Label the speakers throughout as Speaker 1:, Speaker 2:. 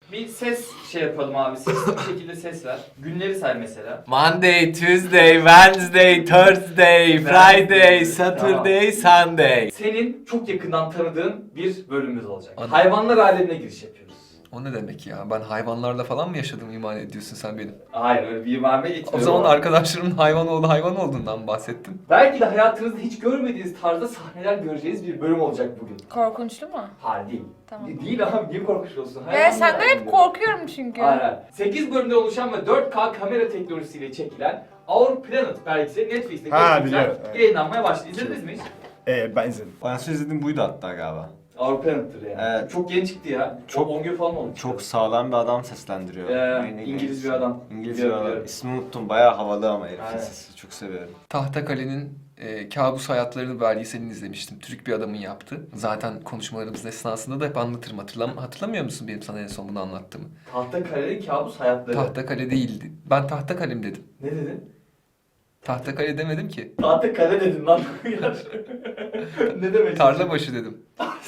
Speaker 1: Bir ses şey yapalım abi. Sesli bir şekilde ses ver. Günleri say mesela.
Speaker 2: Monday, Tuesday, Wednesday, Thursday, Friday, Saturday, Sunday.
Speaker 1: Senin çok yakından tanıdığın bir bölümümüz olacak.
Speaker 2: Hadi.
Speaker 1: Hayvanlar alemine giriş yapıyoruz.
Speaker 2: O ne demek ya? Ben hayvanlarla falan mı yaşadım iman ediyorsun sen benim?
Speaker 1: Hayır öyle bir imame gitmiyor.
Speaker 2: O zaman arkadaşlarımın hayvan olduğundan bahsettim.
Speaker 1: Belki de hayatınızda hiç görmediğiniz tarzda sahneler göreceğiz bir bölüm olacak bugün.
Speaker 3: Korkunçlu mu?
Speaker 1: Hayır değil.
Speaker 3: Tamam.
Speaker 1: Değil abi niye korkunç olsun?
Speaker 3: Ben
Speaker 1: Hayvanlar
Speaker 3: senden hep
Speaker 1: aleminde.
Speaker 3: korkuyorum çünkü.
Speaker 1: Aynen. 8 bölümde oluşan ve 4K kamera teknolojisiyle çekilen Our Planet belgeseli Netflix'te
Speaker 4: biliyorum, evet.
Speaker 1: yayınlanmaya başladı. İzlediniz mi hiç?
Speaker 4: Ben izledim.
Speaker 5: Ben size izlediğim buydu hatta galiba.
Speaker 1: Our Planet'tır yani.
Speaker 5: Evet.
Speaker 1: Çok yeni çıktı ya.
Speaker 5: Çok-
Speaker 1: 10 gün falan oldu.
Speaker 5: Çok sağlam bir adam seslendiriyor.
Speaker 1: İngiliz bir adam.
Speaker 5: İngiliz bir
Speaker 1: Biliyorum,
Speaker 5: adam.
Speaker 1: biliyorum.
Speaker 5: İsmini unuttum. Bayağı havalı ama herifin
Speaker 1: Aynen.
Speaker 5: sesi. Çok seviyorum.
Speaker 2: Tahtakale'nin Kabus Hayatlarını belgeselini izlemiştim. Türk bir adamın yaptı. Zaten konuşmalarımız esnasında da hep anlatırım. Hatırlamıyor musun benim sana en son bunu anlattığımı?
Speaker 1: Tahtakale'nin kabus hayatları.
Speaker 2: Tahtakale değildi. Ben Tahtakalem dedim.
Speaker 1: Ne dedin?
Speaker 2: Tahtakale demedim ki.
Speaker 1: Tahtakale dedin lan. Ne demek?
Speaker 2: Tarlabaşı dedim.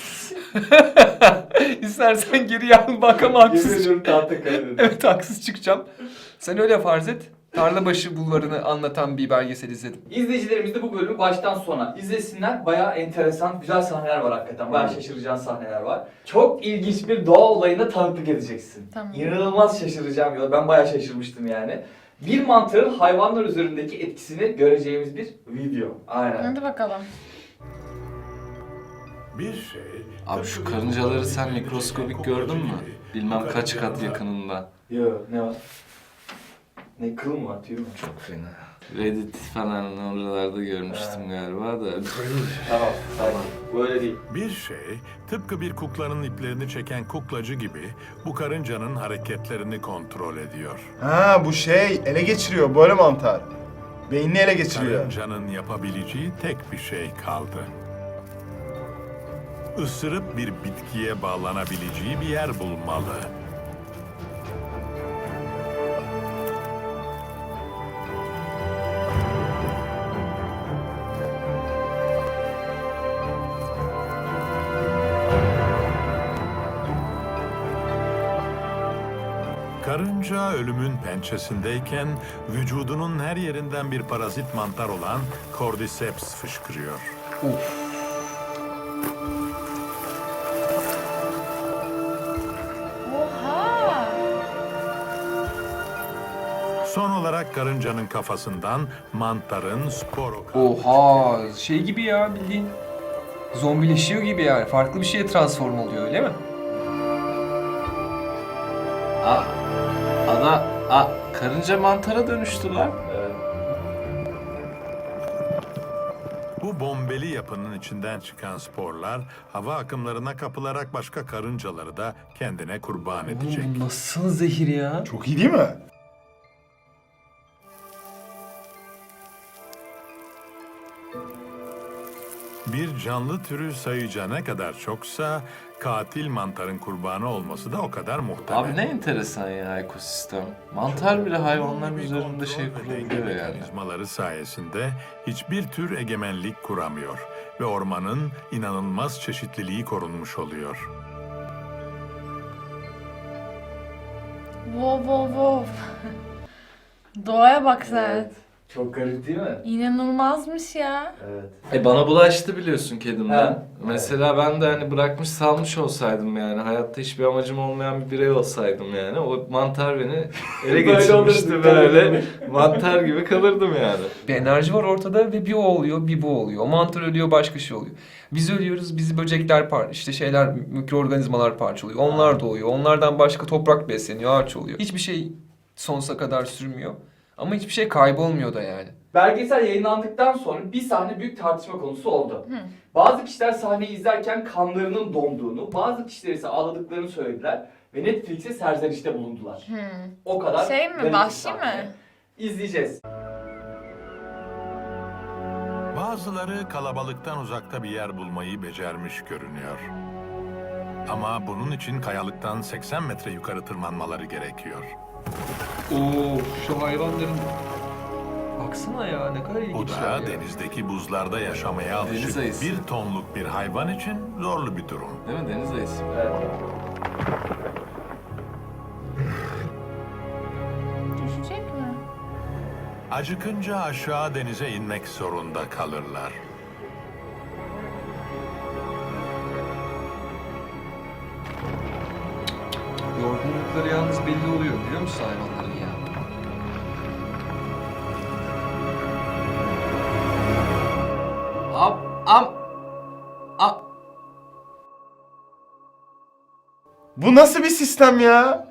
Speaker 2: İstersen geri al bak ama
Speaker 1: Yemin
Speaker 2: haksız.
Speaker 1: ediyorum Tahtakale dedin.
Speaker 2: Evet haksız çıkacağım. Sen öyle farz et. Tarlabaşı bulvarını anlatan bir belgesel izledim.
Speaker 1: İzleyicilerimiz de bu bölümü baştan sona izlesinler. Bayağı enteresan, güzel sahneler var hakikaten. Bayağı şaşıracağın sahneler var. Çok ilginç bir doğa olayına tanıklık edeceksin.
Speaker 3: Tamam.
Speaker 1: İnanılmaz şaşıracağım ya. Ben bayağı şaşırmıştım yani. Bir mantarın hayvanlar üzerindeki etkisini göreceğimiz bir video. Aynen.
Speaker 3: Hadi bakalım.
Speaker 6: Bir şey...
Speaker 7: Abi şu karıncaları sen mikroskobik gördün mü? Bilmem kaç kat yakınında.
Speaker 1: Yo, ne var? Ne kıl mı var, tüy mü?
Speaker 7: Çok fena. Reddit falan oralarda görmüştüm galiba da.
Speaker 1: Tamam, sakin. Böyle değil.
Speaker 6: Bir şey, tıpkı bir kuklanın iplerini çeken kuklacı gibi bu karıncanın hareketlerini kontrol ediyor.
Speaker 4: Ha bu şey ele geçiriyor böyle mantar. Beynini ele geçiriyor.
Speaker 6: Karıncanın yapabileceği tek bir şey kaldı. Isırıp bir bitkiye bağlanabileceği bir yer bulmalı. Karınca ölümün pençesindeyken vücudunun her yerinden bir parazit mantar olan Cordyceps fışkırıyor.
Speaker 3: Oha!
Speaker 6: Son olarak karıncanın kafasından mantarın sporo...
Speaker 2: Oha şey gibi ya bildiğin. Zombileşiyor gibi yani. Farklı bir şeye transform oluyor öyle mi?
Speaker 7: Karınca mantara dönüştü lan.
Speaker 6: Bu bombeli yapının içinden çıkan sporlar hava akımlarına kapılarak başka karıncaları da kendine kurban edecek.
Speaker 2: Bu nasıl zehir ya?
Speaker 4: Çok iyi değil mi?
Speaker 6: Bir canlı türü sayıca ne kadar çoksa katil mantarın kurbanı olması da o kadar muhtemel.
Speaker 7: Abi ne enteresan ya ekosistem. Mantar bile hayvanların
Speaker 6: Bir
Speaker 7: üzerinde
Speaker 6: kontrol
Speaker 7: şey
Speaker 6: ve denge
Speaker 7: kurabiliyor yani.
Speaker 6: mekanizmaları sayesinde hiçbir tür egemenlik kuramıyor ve ormanın inanılmaz çeşitliliği korunmuş oluyor.
Speaker 3: Wow wow wow. Doğaya bak sen.
Speaker 1: Evet. Çok garip değil mi?
Speaker 3: İnanılmazmış ya.
Speaker 1: Evet.
Speaker 7: Bana bulaştı biliyorsun kedimden.
Speaker 1: Ha,
Speaker 7: Mesela ben de hani bırakmış salmış olsaydım yani hayatta hiçbir amacım olmayan bir birey olsaydım yani o mantar beni ele
Speaker 1: Böyle
Speaker 7: geçirmişti
Speaker 1: olurdu,
Speaker 7: böyle mantar gibi kalırdım yani.
Speaker 2: Bir enerji var ortada ve bir o oluyor, bir bu oluyor. O mantar ölüyor, başka şey oluyor. Biz ölüyoruz, bizi böcekler işte şeyler, mikroorganizmalar parçalıyor. Onlar doğuyor. Onlardan başka toprak besleniyor, ağaç oluyor. Hiçbir şey sonsuza kadar sürmüyor. Ama hiçbir şey kaybolmuyor da yani.
Speaker 1: Belgesel yayınlandıktan sonra bir sahne büyük tartışma konusu oldu. Bazı kişiler sahneyi izlerken kanlarının donduğunu, bazı kişiler ise ağladıklarını söylediler ve Netflix'e serzenişte bulundular. O kadar
Speaker 3: Şey mi,
Speaker 1: garip bir
Speaker 3: vahşi
Speaker 1: sahne.
Speaker 3: mi?
Speaker 1: İzleyeceğiz.
Speaker 6: Bazıları kalabalıktan uzakta bir yer bulmayı becermiş görünüyor. Ama bunun için kayalıktan 80 metre yukarı tırmanmaları gerekiyor.
Speaker 2: Oo, şu hayvanların... Baksana ya ne kadar
Speaker 6: Bu
Speaker 2: ilginçler
Speaker 6: da
Speaker 2: ya.
Speaker 6: denizdeki buzlarda yaşamaya alışık
Speaker 7: Deniz ayısı.
Speaker 6: bir tonluk bir hayvan için zorlu bir durum.
Speaker 7: Değil mi deniz ayısı?
Speaker 1: Evet.
Speaker 6: acıkınca aşağı denize inmek zorunda kalırlar.
Speaker 2: Yorgunlukları yalnız belli oluyor biliyor musun hayvanların ya?
Speaker 4: Bu nasıl bir sistem ya?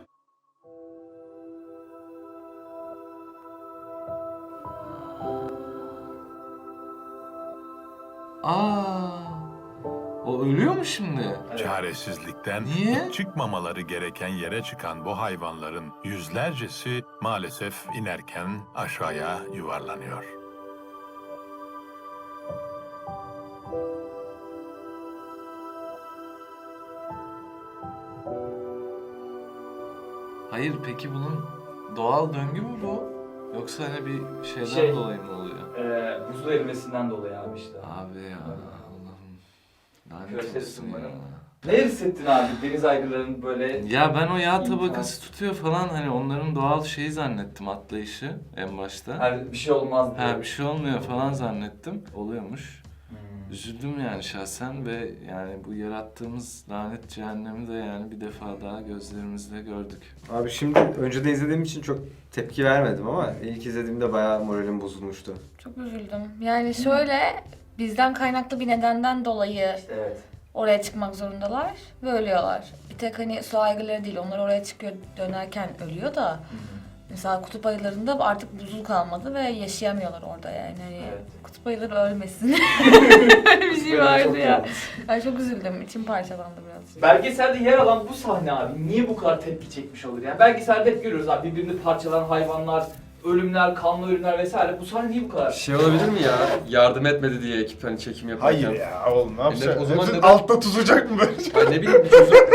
Speaker 7: O ölüyor mu şimdi?
Speaker 6: Çaresizlikten
Speaker 7: Niye?
Speaker 6: hiç çıkmamaları gereken yere çıkan bu hayvanların yüzlercesi maalesef inerken aşağıya yuvarlanıyor.
Speaker 7: Hayır peki bunun doğal döngü mü bu? Yoksa hani bir şeyden
Speaker 1: Şey-
Speaker 7: dolayı mı oluyor?
Speaker 1: Buzul erimesinden dolayı abi işte.
Speaker 7: Abi ya Allah'ım. Lanet
Speaker 1: Küresel
Speaker 7: olsun
Speaker 1: ısınmanın.
Speaker 7: ya.
Speaker 1: Ne hissettin abi deniz aygırlarının böyle...
Speaker 7: Ya ben o yağ
Speaker 1: İmkan.
Speaker 7: tabakası tutuyor falan hani onların doğal şeyi zannettim atlayışı en başta.
Speaker 1: Hani bir şey olmaz diye.
Speaker 7: Ha bir şey olmuyor falan zannettim. Oluyormuş.
Speaker 1: Hmm.
Speaker 7: Üzüldüm yani şahsen ve yani bu yarattığımız lanet cehennemi de yani bir defa daha gözlerimizle gördük.
Speaker 5: Abi şimdi önceden izlediğim için çok tepki vermedim ama ilk izlediğimde bayağı moralim bozulmuştu.
Speaker 3: Çok üzüldüm. Yani şöyle bizden kaynaklı bir nedenden dolayı
Speaker 1: Evet.
Speaker 3: oraya çıkmak zorundalar ve ölüyorlar. Bir tek hani su aygırları değil, onlar oraya çıkıyor dönerken ölüyor da. Mesela kutup ayılarında artık buzul kalmadı ve yaşayamıyorlar orada yani. Hani
Speaker 1: Evet.
Speaker 3: kutup ayıları ölmesin. Öyle bir şey
Speaker 1: Böyle
Speaker 3: vardı
Speaker 1: çok
Speaker 3: ya.
Speaker 1: yalnız.
Speaker 3: Ben çok üzüldüm. İçim parçalandı biraz.
Speaker 1: Belgeselde yer alan bu sahne abi niye bu kadar tepki çekmiş olur? Yani belgeselde hep görüyoruz abi birbirini parçalanan hayvanlar, ölümler, kanlı ölümler vesaire. Bu sahne niye bu kadar?
Speaker 2: Şey olabilir mi ya? Yardım etmedi diye ekip hani çekim yaparken.
Speaker 4: Hayır ya oğlum ne yapacaksın?
Speaker 2: o zaman
Speaker 4: Hepsi
Speaker 2: neden-
Speaker 4: altta tutacak mı böyle?
Speaker 2: Ay ne bileyim bir çocuk.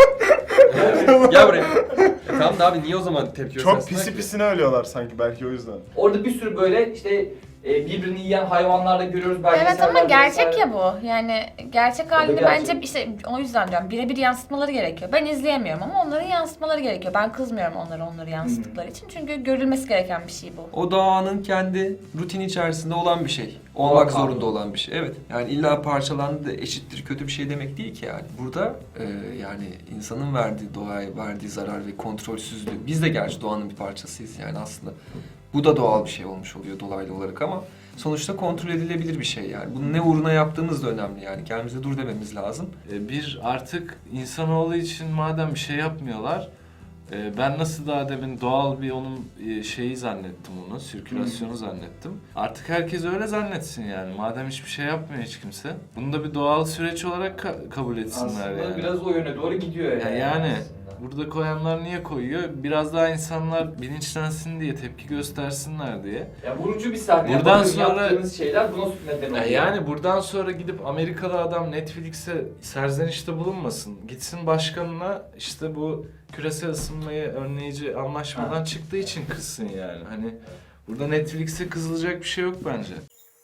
Speaker 2: Gel buraya. Tamam da abi niye o zaman tepki
Speaker 4: Çok
Speaker 2: göstersinler
Speaker 4: pisi
Speaker 2: ki?
Speaker 4: pisine ölüyorlar sanki belki o yüzden.
Speaker 1: Orada bir sürü böyle işte birbirini yiyen hayvanlar da görüyoruz
Speaker 3: Evet
Speaker 1: belgesellerde.
Speaker 3: ama gerçek
Speaker 1: vesaire.
Speaker 3: ya bu. Yani gerçek halini
Speaker 1: gerçek.
Speaker 3: bence işte o yüzden diyorum birebir yansıtmaları gerekiyor. Ben izleyemiyorum ama onların yansıtmaları gerekiyor. Ben kızmıyorum onları yansıttıkları için. Çünkü görülmesi gereken bir şey bu.
Speaker 2: O doğanın kendi rutini içerisinde olan bir şey.
Speaker 1: Doğal
Speaker 2: Olmak
Speaker 1: kanun.
Speaker 2: zorunda olan bir şey. Evet. Yani illa parçalandı da eşittir kötü bir şey demek değil ki yani. Burada yani insanın verdiği doğaya verdiği zarar ve kontrolsüzlüğü. Biz de gerçi doğanın bir parçasıyız yani aslında. Bu da doğal bir şey olmuş oluyor dolaylı olarak ama sonuçta kontrol edilebilir bir şey yani. Bunu ne uğruna yaptığımız da önemli yani. Kendimize dur dememiz lazım.
Speaker 7: Bir artık insanoğlu için madem bir şey yapmıyorlar, ben nasıl daha demin doğal bir onun şeyi zannettim onu, sirkülasyonu zannettim. Artık herkes öyle zannetsin yani. Madem hiçbir şey yapmıyor hiç kimse. Bunu da bir doğal süreç olarak kabul etsinler
Speaker 1: Aslında
Speaker 7: yani.
Speaker 1: biraz o yöne doğru gidiyor yani.
Speaker 7: Yani
Speaker 1: aslında.
Speaker 7: burada koyanlar niye koyuyor? Biraz daha insanlar bilinçlensin diye, tepki göstersinler diye.
Speaker 1: Ya vurucu bir sahne.
Speaker 7: Buradan
Speaker 1: Bakın
Speaker 7: sonra-
Speaker 1: yaptığınız şeyler buna neden oluyor.
Speaker 7: Yani buradan sonra gidip Amerikalı adam Netflix'e serzenişte bulunmasın. Gitsin başkanına işte bu küresel ısınmayı önleyici anlaşmadan çıktığı için kızsın yani. Hani burada Netflix'e kızılacak bir şey yok bence.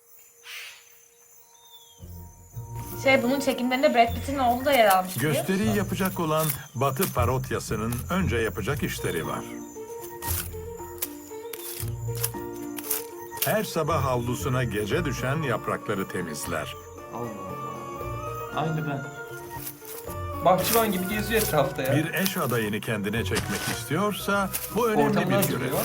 Speaker 3: Bunun çekimlerinde Brad Pitt'in oğlu da yer almış. biliyor musun?
Speaker 6: Gösteriyi yapacak olan Batı Parotyası'nın önce yapacak işleri var. Her sabah havlusuna gece düşen yaprakları temizler.
Speaker 7: Allah Allah. Aynı ben.
Speaker 2: Bahçıvan gibi geziyor etrafta ya.
Speaker 6: Bir eş adayını kendine çekmek istiyorsa bu önemli
Speaker 2: Ortamı
Speaker 6: bir görev.
Speaker 2: hazırlıyor.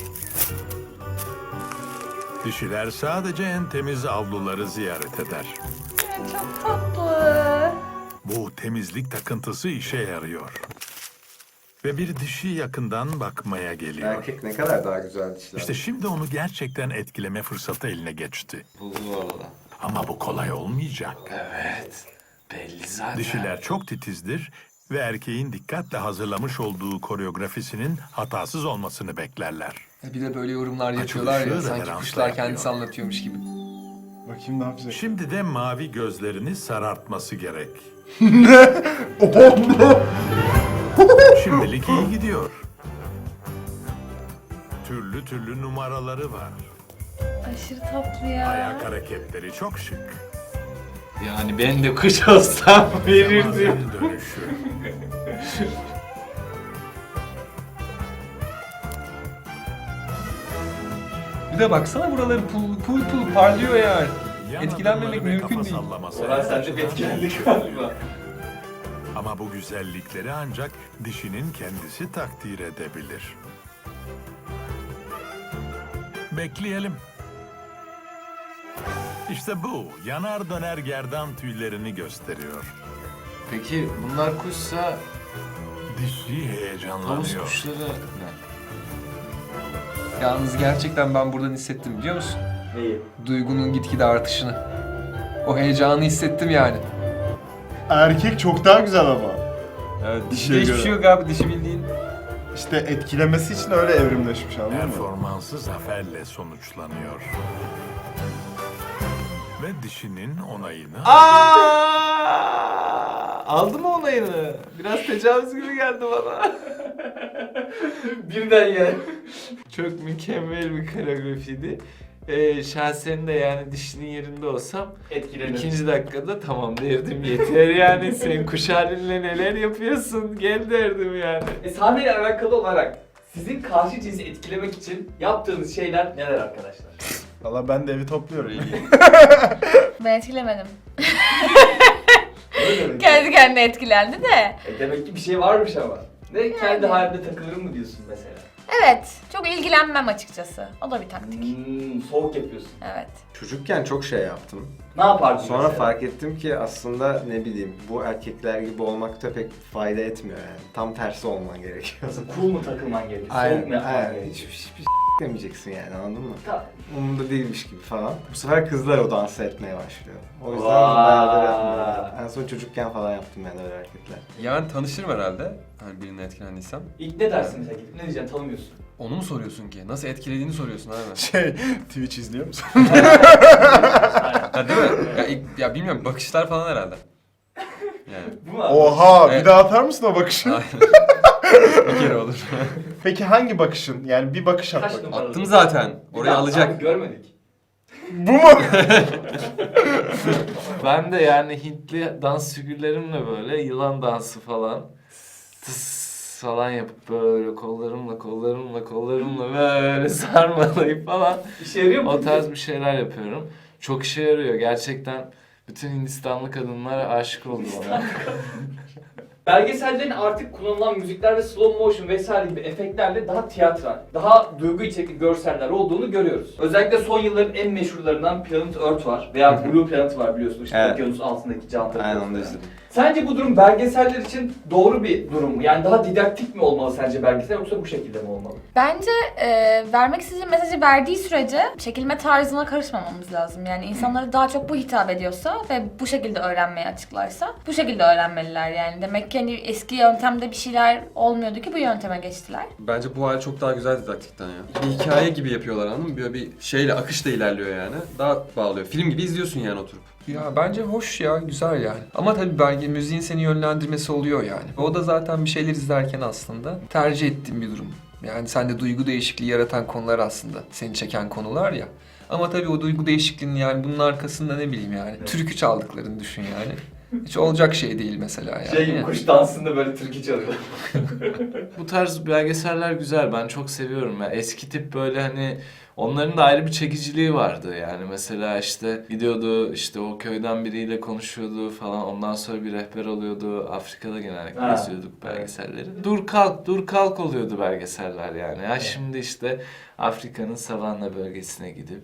Speaker 6: Dişiler sadece en temiz avluları ziyaret eder.
Speaker 3: Çok tatlı.
Speaker 6: Bu temizlik takıntısı işe yarıyor. Ve bir dişi yakından bakmaya geliyor.
Speaker 5: Erkek ne kadar daha güzel dişler.
Speaker 6: İşte şimdi onu gerçekten etkileme fırsatı eline geçti.
Speaker 7: Buldu arada.
Speaker 6: Ama bu kolay olmayacak.
Speaker 7: Evet. Belli zaten.
Speaker 6: Dişiler çok titizdir ve erkeğin dikkatle hazırlamış olduğu koreografisinin hatasız olmasını beklerler.
Speaker 2: Bir de böyle yorumlar yapıyorlar ya
Speaker 6: Açılışları
Speaker 2: sanki
Speaker 6: referansla
Speaker 2: kuşlar kendisi
Speaker 6: yapıyor.
Speaker 2: anlatıyormuş gibi.
Speaker 4: Bakayım ne yapacak.
Speaker 6: Şimdi de mavi gözlerini sarartması gerek. Şimdilik iyi gidiyor. Türlü türlü numaraları var.
Speaker 3: Aşırı tatlı ya.
Speaker 6: Ayak hareketleri çok şık.
Speaker 7: Yani ben de kuş olsam verirdim.
Speaker 6: Zamanın dönüşü.
Speaker 2: Bir de baksana buraları pul parlıyor yani.
Speaker 6: Yan
Speaker 2: Etkilenmemek
Speaker 6: adımları ve
Speaker 2: mümkün
Speaker 6: kafa
Speaker 2: değil.
Speaker 6: sallaması
Speaker 1: Orhan
Speaker 6: her
Speaker 1: sende bir
Speaker 6: açıdan
Speaker 1: etkilendik
Speaker 6: yakışıyor.
Speaker 1: galiba.
Speaker 6: Ama bu güzellikleri ancak dişinin kendisi takdir edebilir. Bekleyelim. İşte bu yanar döner gerdan tüylerini gösteriyor.
Speaker 7: Peki bunlar kuşsa
Speaker 6: Dişi
Speaker 7: tavus
Speaker 6: heyecanlanıyor.
Speaker 7: kuşları ne?
Speaker 2: Yalnız gerçekten ben buradan hissettim biliyor musun?
Speaker 1: Neyi?
Speaker 2: Duygunun gitgide artışını. O heyecanı hissettim yani.
Speaker 4: Erkek çok daha güzel ama.
Speaker 2: Evet,
Speaker 4: dişiye
Speaker 2: hiçbir
Speaker 4: göre.
Speaker 2: şey yok abi, dişi bildiğin.
Speaker 4: İşte etkilemesi için öyle evrimleşmiş, anladın mı?
Speaker 6: Performansı zaferle sonuçlanıyor. Ve dişinin onayını
Speaker 7: Aldı mı onayını? Biraz tecavüz gibi geldi bana.
Speaker 1: Birden yani.
Speaker 7: Çok mükemmel bir koreografiydi. Şahsen de yani dişinin yerinde olsam
Speaker 1: Etkilenir.
Speaker 7: 2. dakikada tamam derdim, yeter yani sen kuş halinle neler yapıyorsun gel derdim yani.
Speaker 1: Sahneyle alakalı olarak sizin karşı cinsi etkilemek için yaptığınız şeyler neler arkadaşlar?
Speaker 4: Valla ben de evi topluyorum.
Speaker 3: Ben etkilemedim.
Speaker 1: Öyle mi?
Speaker 3: Kendi kendine etkilendi de.
Speaker 1: Demek ki bir şey varmış ama. Ne kendi halinde takılırım mı diyorsun mesela?
Speaker 3: Evet, çok ilgilenmem açıkçası. O da bir taktik.
Speaker 1: Soğuk yapıyorsun.
Speaker 3: Evet.
Speaker 5: Çocukken çok şey yaptım.
Speaker 1: Ne yapardın
Speaker 5: Sonra
Speaker 1: mesela?
Speaker 5: fark ettim ki aslında ne bileyim bu erkekler gibi olmakta pek fayda etmiyor yani. Tam tersi olman gerekiyor.
Speaker 1: Nasıl cool mu takılman gerekiyor? Soğuk
Speaker 5: Aynen,
Speaker 1: mu yapman
Speaker 5: aynen.
Speaker 1: gerekiyor?
Speaker 5: Hiçbir demeyeceksin yani, anladın mı?
Speaker 1: Tamam.
Speaker 5: Umurumda değilmiş gibi falan. Bu sefer kızlar o dansı etmeye başlıyor. O yüzden
Speaker 1: Vay.
Speaker 5: bayağıdır yapmıyorum. En son çocukken falan yaptım ben öyle hareketler.
Speaker 2: Yani tanışırım herhalde. Hani birine etkilendiysem.
Speaker 1: İlk ne dersin mesela gidip ne diyeceksin tanımıyorsun.
Speaker 2: Onu mu soruyorsun ki? Nasıl etkilediğini soruyorsun abi.
Speaker 4: Twitch izliyor musun?
Speaker 2: Ha değil mi? Ya bilmiyorum, bakışlar falan herhalde. Yani.
Speaker 1: Bu mu?
Speaker 4: Oha,
Speaker 2: Evet.
Speaker 4: bir daha atar mısın o bakışı?
Speaker 2: Aynen. Bir kere olur.
Speaker 4: Peki hangi bakışın? Yani bir bakış at
Speaker 1: Kaç
Speaker 4: bakayım.
Speaker 1: numara?
Speaker 2: Attım zaten. Oraya
Speaker 1: Abi
Speaker 2: alacak.
Speaker 1: görmedik.
Speaker 4: Bu mu?
Speaker 7: Ben de yani Hintli dans figürlerimle böyle yılan dansı falan tıs falan yapıp böyle kollarımla böyle sarmalayıp falan
Speaker 1: İşe yarıyor mu?
Speaker 7: o tarz bir şeyler yapıyorum. Çok işe yarıyor gerçekten. Bütün Hindistanlı kadınlar aşık oldu bana.
Speaker 1: Belgesellerin artık kullanılan müzikler ve slow motion vesaire gibi efektlerle daha tiyatral, daha duygu içerikli görseller olduğunu görüyoruz. Özellikle son yılların en meşhurlarından Planet Earth var veya Blue Planet var biliyorsunuz işte
Speaker 5: Evet.
Speaker 1: okyanus altındaki canlıları.
Speaker 5: Aynen onu da
Speaker 1: gösteren.
Speaker 5: izledim.
Speaker 1: Sence bu durum belgeseller için doğru bir durum mu? Yani daha didaktik mi olmalı sence belgesel yoksa bu şekilde mi olmalı?
Speaker 3: Bence vermek istediği mesajı verdiği sürece çekilme tarzına karışmamamız lazım. Yani insanlara daha çok bu hitap ediyorsa ve bu şekilde öğrenmeye açıklarsa bu şekilde öğrenmeliler yani. Demek ki hani eski yöntemde bir şeyler olmuyordu ki bu yönteme geçtiler.
Speaker 2: Bence bu hal çok daha güzel didaktikten ya. Bir hikaye gibi yapıyorlar, anladın mı? Böyle bir şeyle, akışla ilerliyor yani. Daha bağlıyor. Film gibi izliyorsun yani oturup. Ya bence hoş ya, güzel yani. Ama tabii müziğin seni yönlendirmesi oluyor yani. O da zaten bir şeyler izlerken aslında tercih ettiğim bir durum. Yani sende duygu değişikliği yaratan konular aslında. Seni çeken konular ya. Ama tabii o duygu değişikliğinin yani bunun arkasında ne bileyim yani. Türkü çaldıklarını düşün yani. Hiç olacak şey değil mesela yani.
Speaker 1: Şey gibi kuş dansında böyle türkü çalıyor.
Speaker 7: Bu tarz belgeseller güzel. Ben çok seviyorum ya. Eski tip böyle hani onların da ayrı bir çekiciliği vardı yani. Mesela işte gidiyordu işte o köyden biriyle konuşuyordu falan. Ondan sonra bir rehber oluyordu. Afrika'da genellikle
Speaker 1: Ha.
Speaker 7: izliyorduk belgeselleri. Dur kalk oluyordu belgeseller yani. Ya şimdi işte Afrika'nın savanna bölgesine gidip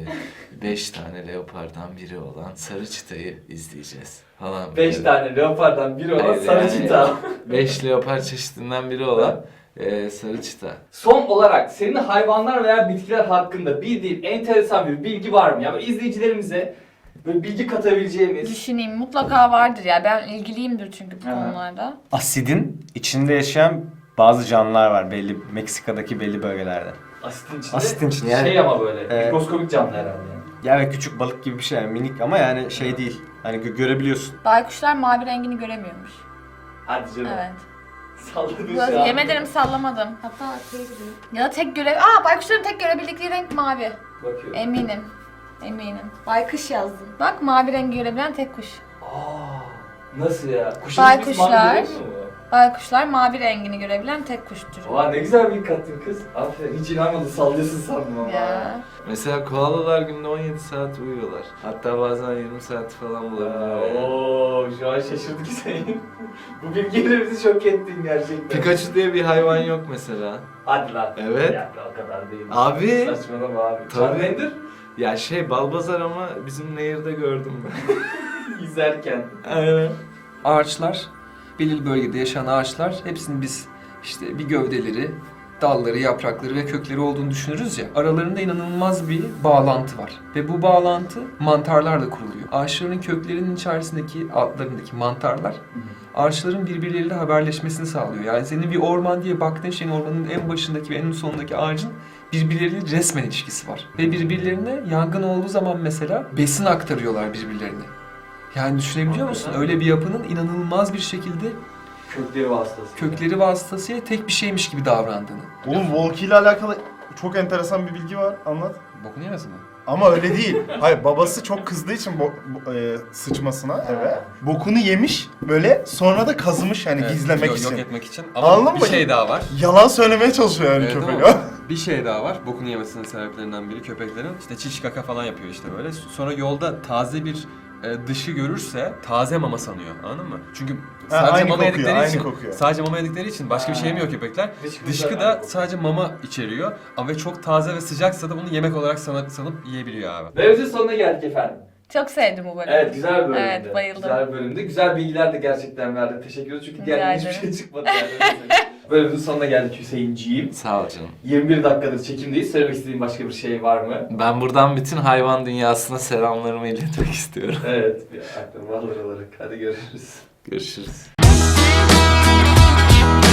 Speaker 7: 5 tane leopardan biri olan sarı çitayı izleyeceğiz falan.
Speaker 1: 5 tane leopardan biri olan
Speaker 7: Evet,
Speaker 1: sarı
Speaker 7: yani-
Speaker 1: çita.
Speaker 7: 5 leopar çeşidinden biri olan sarı çita.
Speaker 1: Son olarak senin hayvanlar veya bitkiler hakkında bildiğin enteresan bir bilgi var mı? Yani izleyicilerimize böyle bilgi katabileceğimiz.
Speaker 3: Düşüneyim, mutlaka vardır ya. Ben ilgiliyimdir çünkü bu
Speaker 1: Aha.
Speaker 3: konularda.
Speaker 5: Asidin içinde yaşayan bazı canlılar var belli Meksika'daki belli bölgelerde.
Speaker 1: Asitin içinde.
Speaker 5: Asitin içinde yani.
Speaker 1: Şey ama böyle
Speaker 5: Evet.
Speaker 1: mikroskobik canlı herhalde. Yani.
Speaker 5: Yani küçük balık gibi bir şey yani minik ama yani şey değil. Hani görebiliyorsun.
Speaker 3: Baykuşlar mavi rengini göremiyormuş.
Speaker 1: Hadi canım.
Speaker 3: Evet.
Speaker 1: Salladın
Speaker 3: Biraz
Speaker 1: şu an.
Speaker 3: yemin ederim sallamadım. Hatta ya da tek baykuşların tek görebildikleri renk mavi.
Speaker 1: Bakıyorum.
Speaker 3: Eminim. Baykuş yazdım. Bak mavi rengi görebilen tek kuş.
Speaker 1: Aa, nasıl ya? Kuşun ismi
Speaker 3: Baykuşlar.
Speaker 1: Mango değil mi bu?
Speaker 3: Baykuşlar mavi rengini görebilen tek kuş türü.
Speaker 1: Oha ne güzel bir kattın kız. Aferin. Hiç inanmadım. Sallıyorsun sandım ama.
Speaker 3: Ya.
Speaker 7: Mesela koalalar günde 17 saat uyuyorlar. Hatta bazen 20 saat falan bulabiliyor. Yani.
Speaker 1: Ooo şu an şaşırdık Hüseyin. Bu bilgiyle bizi şok ettin gerçekten.
Speaker 7: Pikachu diye bir hayvan yok mesela.
Speaker 1: Hadi lan.
Speaker 7: Evet.
Speaker 1: Ya o kadar değil.
Speaker 7: Abi.
Speaker 1: Saçmalama abi.
Speaker 7: Tabii.
Speaker 1: Charmander
Speaker 7: Ya Balbazar ama bizim nehirde gördüm ben.
Speaker 1: izlerken.
Speaker 7: Aynen.
Speaker 2: Ağaçlar, belirli bölgede yaşayan ağaçlar hepsinin biz işte bir gövdeleri, dalları, yaprakları ve kökleri olduğunu düşünürüz ya. Aralarında inanılmaz bir bağlantı var. Ve bu bağlantı mantarlarla kuruluyor. Ağaçların köklerinin içerisindeki, altlarındaki mantarlar ağaçların birbirleriyle haberleşmesini sağlıyor. Yani senin bir orman diye baktığın şeyin ormanın en başındaki ve en sonundaki ağacın birbirleriyle resmen ilişkisi var. Ve birbirlerine yangın olduğu zaman mesela besin aktarıyorlar birbirlerine. Yani düşünebiliyor musun? Öyle bir yapının inanılmaz bir şekilde
Speaker 1: Kökleri vasıtası.
Speaker 2: kökleri vasıtasıyla tek bir şeymiş gibi davrandığını.
Speaker 4: Oğlum Volki ile alakalı çok enteresan bir bilgi var. Anlat.
Speaker 2: Bokunu yemesin mi?
Speaker 4: Ama öyle değil. Hayır, babası çok kızdığı için sıçmasına eve. Bokunu yemiş böyle, sonra da kazımış yani gizlemek için.
Speaker 2: Yok etmek için. Ama
Speaker 4: Anladın
Speaker 2: bir
Speaker 4: mı?
Speaker 2: şey daha var.
Speaker 4: Yalan söylemeye çalışıyor yani
Speaker 2: Evet,
Speaker 4: köpek.
Speaker 2: ama bir şey daha var. Bokunu yemesinin sebeplerinden biri köpeklerin işte çiş kaka falan yapıyor işte böyle. Sonra yolda taze bir dışı görürse taze mama sanıyor. Anladın mı? Çünkü sadece
Speaker 4: aynı
Speaker 2: mama
Speaker 4: kokuyor,
Speaker 2: yedikleri
Speaker 4: aynı
Speaker 2: için
Speaker 4: kokuyor.
Speaker 2: sadece mama yedikleri için başka bir şey yemiyor köpekler. Dışkı da sadece mama içeriyor. Ama ve çok taze ve sıcaksa da bunu yemek olarak sanıp yiyebiliyor abi.
Speaker 1: Ve videonun sonuna geldik efendim.
Speaker 3: Çok sevdim bu bölümü.
Speaker 1: Evet güzel bir bölümdü.
Speaker 3: Evet, bayıldım.
Speaker 1: Güzel bir bölümdü. Güzel bilgiler de gerçekten verdin. Teşekkür ederiz çünkü
Speaker 3: Rica
Speaker 1: diğer hiçbir
Speaker 3: ederim.
Speaker 1: şey çıkmadı yani. Bölümün sonuna geldik Hüseyinciğim.
Speaker 7: Sağ ol canım.
Speaker 1: 21 dakikadır çekimdeyiz. Söylemek istediğin başka bir şey var mı?
Speaker 7: Ben buradan bütün hayvan dünyasına selamlarımı iletmek istiyorum.
Speaker 1: Evet. Bir akramalar olarak. Hadi görüşürüz.
Speaker 7: Görüşürüz.